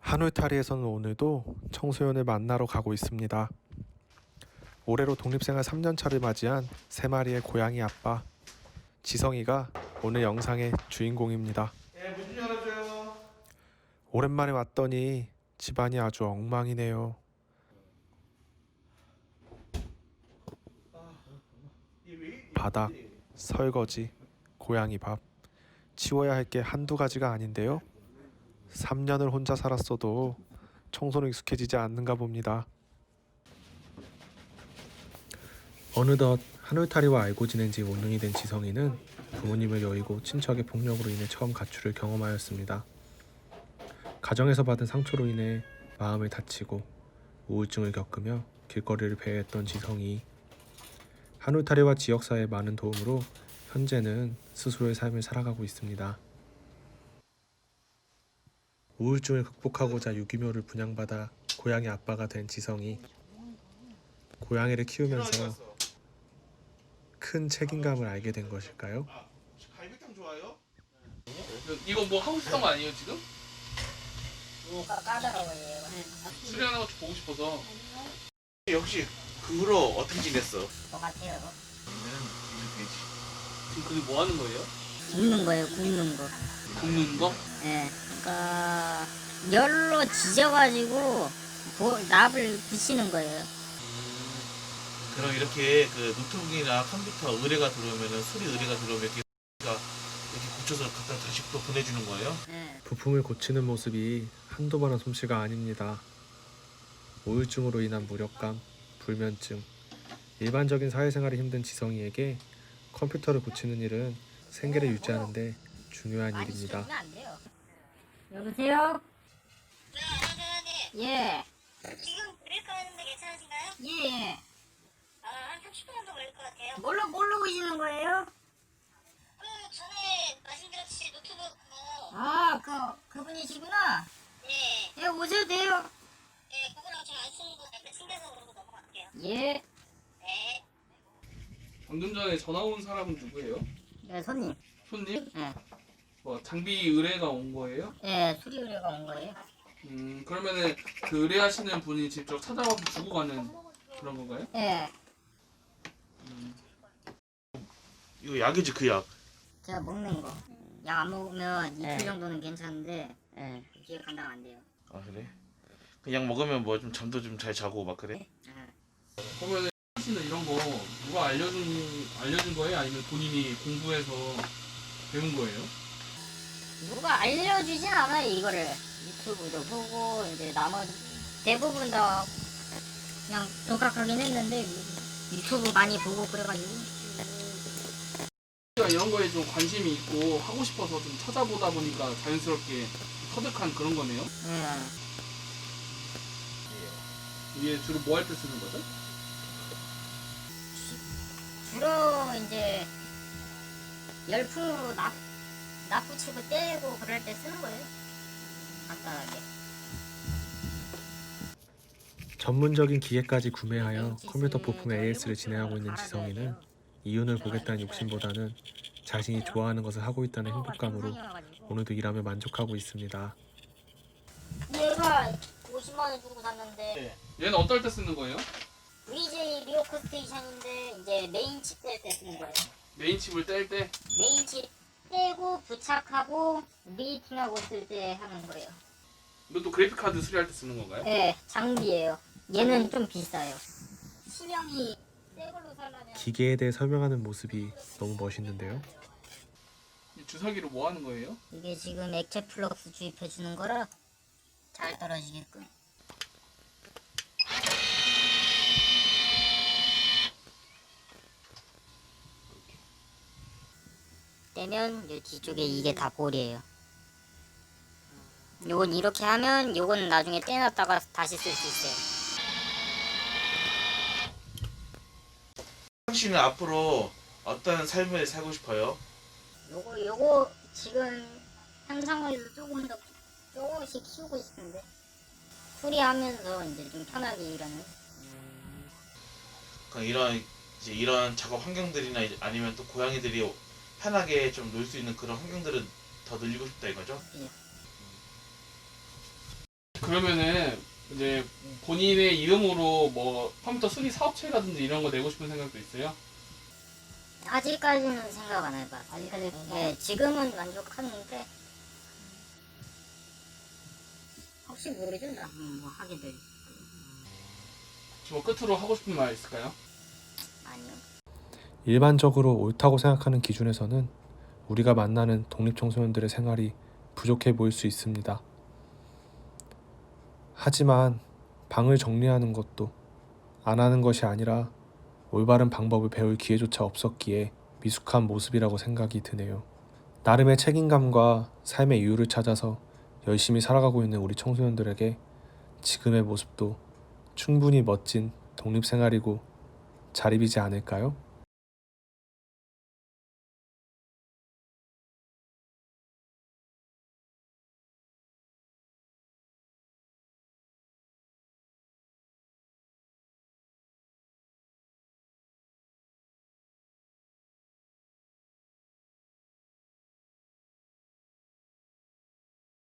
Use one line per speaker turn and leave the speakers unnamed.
한울타리에서는 오늘도 청소년을 만나러 가고 있습니다. 올해로 독립생활 3년차를 맞이한 3마리의 고양이 아빠 지성이가 오늘 영상의 주인공입니다.
문 좀 열어줘요.
오랜만에 왔더니 집안이 아주 엉망이네요. 바닥, 설거지, 고양이 밥, 치워야 할 게 한두 가지가 아닌데요. 3년을 혼자 살았어도 청소는 익숙해지지 않는가 봅니다. 어느덧 한울타리와 알고 지낸 지 5년이 된 지성이는 부모님을 여의고 친척의 폭력으로 인해 처음 가출을 경험하였습니다. 가정에서 받은 상처로 인해 마음을 다치고 우울증을 겪으며 길거리를 배회했던 지성이 한울타리와 지역사회의 많은 도움으로 현재는 스스로의 삶을 살아가고 있습니다. 우울증을 극복하고자 유기묘를 분양받아 고양이 아빠가 된 지성이 고양이를 키우면서 큰 책임감을 알게 된 것일까요?
갈비탕 좋아요?
이거 뭐 하고 싶은 거 아니에요 지금?
까다로워요.
수련하는 거 보고 싶어서.
역시 그 후로 어떻게 지냈어?
똑같아요.
지금 그게 뭐 하는 거예요?
굽는 거예요, 굽는 거.
굽는 거?
예. 그러니까 열로 지져가지고 납을 붙이는 거예요.
그럼 이렇게 그 노트북이나 컴퓨터 의뢰가 들어오면은 수리 의뢰가 들어오면 이렇게 고쳐서 갖다 다시 또 보내주는 거예요?
예.
부품을 고치는 모습이 한두 번한 솜씨가 아닙니다. 우울증으로 인한 무력감, 불면증, 일반적인 사회생활이 힘든 지성이에게 컴퓨터를 고치는 일은 생계를 유지하는 데 중요한
많이
일입니다.
씌우면 안 돼요. 여보세요?
네,
예.
지금 브레이크 하는데 괜찮으신가요?
예.
한 30분 정도 걸릴 것 같아요.
뭘로 오시는 거예요?
전에 말씀드렸듯이 노트북 그거,
아, 그분이시구나.
네,
예, 오셔도 돼요.
네, 그거랑 제가 안 쓰는 거 약간 챙겨서 그러고 넘어갈게요.
예.
네.
방금 전에 전화 온 사람은 누구예요?
예, 손님.
손님?
예.
뭐 장비 의뢰가 온 거예요?
예, 수리 의뢰가 온 거예요.
그러면은 그 의뢰하시는 분이 직접 찾아와서 주고 가는 그런 건가요?
예.
이거 약이지 그 약.
제가 먹는 거. 약 안 먹으면 이틀
네.
정도는 괜찮은데
예.
뒤에 감당 안 돼요.
아 그래? 그 약 먹으면 뭐 좀 잠도 좀 잘 자고 막 그래?
예.
그러면은 하시는 이런 거 누가 알려준 거예요? 아니면 본인이 공부해서 배운 거예요?
누가 알려주진 않아요, 이거를. 유튜브도 보고, 이제 나머지 대부분 다 그냥 독학하긴 했는데, 유튜브 많이 보고 그래가지고.
제가 이런 거에 좀 관심이 있고 하고 싶어서 좀 찾아보다 보니까 자연스럽게 터득한 그런 거네요.
예.
이게 주로 뭐 할 때 쓰는 거죠?
주로 이제 열풍으로 납 붙이고 떼고 그럴 때 쓰는 거예요. 간단하게.
전문적인 기계까지 구매하여 컴퓨터 부품 AS를 진행하고 있는 지성이는 이윤을 보겠다는 욕심보다는 자신이 좋아하는 것을 하고 있다는 행복감으로 오늘도 일하며 만족하고 있습니다.
얘가 50만 원 주고 샀는데
얘는 어떨 때 쓰는 거예요?
VJ 리오크 스테이션인데 이제 메인 칩 뗄 때 쓰는 거예요.
메인 칩을 뗄 때?
메인 칩 떼고 부착하고 미팅하고 쓸 때 하는 거예요.
이것도 그래픽 카드 수리할 때 쓰는 건가요?
네, 장비예요. 얘는 좀 비싸요. 실형이 새 걸로 살려면
기계에 대해 설명하는 모습이 너무 멋있는데요.
이 주사기로 뭐 하는 거예요?
이게 지금 액체 플럭스 주입해 주는 거라 잘 떨어지게끔. 떼면 요 뒤쪽에 이게 다 볼이에요. 요건 이렇게 하면 요건 나중에 떼놨다가 다시 쓸 수 있어요.
당신은 앞으로 어떤 삶을 살고 싶어요?
요거 지금 현상에서 조금 더 조금씩 키우고 싶은데 수리하면서 이제 좀 편하게 일하는.
그러니까 이런 작업 환경들이나 아니면 또 고양이들이 편하게 좀 놀 수 있는 그런 환경들은 더 늘리고 싶다 이거죠?
예.
그러면은 이제 본인의 이름으로 뭐 컴퓨터 수리 사업체라든지 이런 거 내고 싶은 생각도 있어요?
아직까지는 생각 안 해봤어. 아직까지 예, 지금은 만족하는데 혹시 모르죠? 뭐 하게 될
뭐 끝으로 하고 싶은 말 있을까요?
아니요.
일반적으로 옳다고 생각하는 기준에서는 우리가 만나는 독립청소년들의 생활이 부족해 보일 수 있습니다. 하지만 방을 정리하는 것도 안 하는 것이 아니라 올바른 방법을 배울 기회조차 없었기에 미숙한 모습이라고 생각이 드네요. 나름의 책임감과 삶의 이유를 찾아서 열심히 살아가고 있는 우리 청소년들에게 지금의 모습도 충분히 멋진 독립생활이고 자립이지 않을까요?